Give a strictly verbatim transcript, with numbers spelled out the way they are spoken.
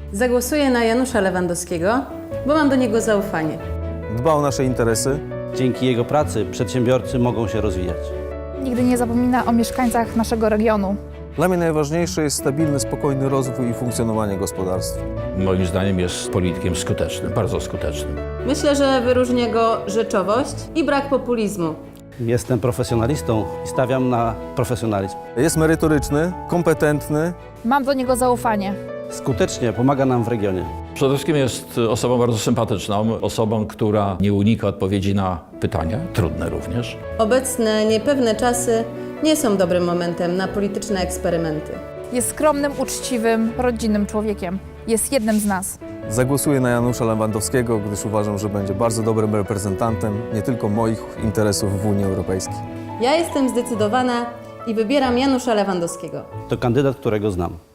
Zagłosuję na Janusza Lewandowskiego, bo mam do niego zaufanie. Dba o nasze interesy. Dzięki jego pracy przedsiębiorcy mogą się rozwijać. Nigdy nie zapomina o mieszkańcach naszego regionu. Dla mnie najważniejszy jest stabilny, spokojny rozwój i funkcjonowanie gospodarstwa. Moim zdaniem jest politykiem skutecznym, bardzo skutecznym. Myślę, że wyróżnia go rzeczowość i brak populizmu. Jestem profesjonalistą i stawiam na profesjonalizm. Jest merytoryczny, kompetentny. Mam do niego zaufanie. Skutecznie pomaga nam w regionie. Przede wszystkim jest osobą bardzo sympatyczną, osobą, która nie unika odpowiedzi na pytania, trudne również. Obecne niepewne czasy nie są dobrym momentem na polityczne eksperymenty. Jest skromnym, uczciwym, rodzinnym człowiekiem. Jest jednym z nas. Zagłosuję na Janusza Lewandowskiego, gdyż uważam, że będzie bardzo dobrym reprezentantem nie tylko moich interesów w Unii Europejskiej. Ja jestem zdecydowana i wybieram Janusza Lewandowskiego. To kandydat, którego znam.